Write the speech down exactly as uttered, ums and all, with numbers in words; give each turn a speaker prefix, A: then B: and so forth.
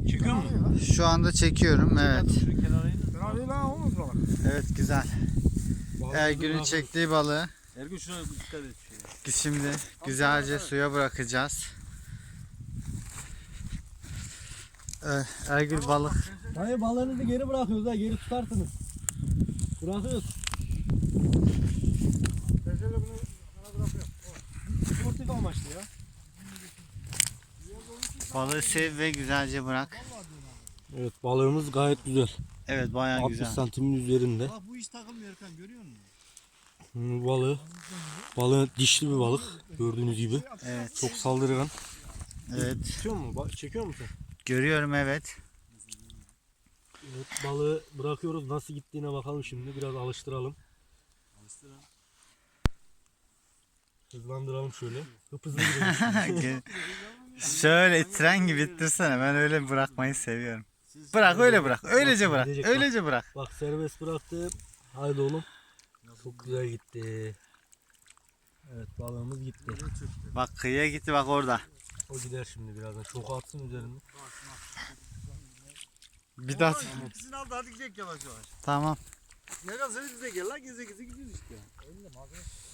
A: Çekiyor mu?
B: Şu anda çekiyorum, evet.
A: Fena lan olmaz balık.
B: Evet, güzel. Ergün'ün çektiği balığı
A: Ergün şuna dikkat et. Şey.
B: şimdi güzelce suya bırakacağız. Evet, Ergün balık.
C: Hayır, balığınızı geri bırakıyoruz ha, geri tutarsınız. Bırakıyoruz.
A: Ben şöyle bunu bana bırakıyorum.
C: Sportif amaçlı ya.
B: Balığı sev ve güzelce bırak.
C: Evet, balığımız gayet güzel.
B: Evet, bayağı
C: altmış
B: güzel.
C: santimin üzerinde.
A: Bak bu hiç takılmıyor Erkan, görüyor musun?
C: Bu balığı, balığı dişli bir balık gördüğünüz gibi.
B: Evet.
C: Çok saldırgan.
B: Evet.
C: Çekiyor mu? Ba- Çekiyor musun?
B: Görüyorum, evet.
C: Evet, balığı bırakıyoruz. Nasıl gittiğine bakalım şimdi. Biraz alıştıralım.
A: Alıştıralım.
C: Hızlandıralım şöyle. Hıp hızlı gidelim.
B: Şöyle tren gibi ittirsene. Ben öyle bırakmayı seviyorum. Bırak, öyle bırak. Öylece bırak.
C: Gidecek,
B: Öylece bırak.
C: Bak, serbest bıraktım. Haydi oğlum. Çok güzel gitti. Evet, balığımız gitti.
B: Bak, kıyıya gitti, bak orada.
C: O gider şimdi birazdan. Çok atsın üzerinde.
B: Bir daha.
A: İkisini aldı, hadi gidelim yavaş yavaş.
B: Tamam.
A: Ne kadar seni bize gel lan, geze geze gidiyoruz işte.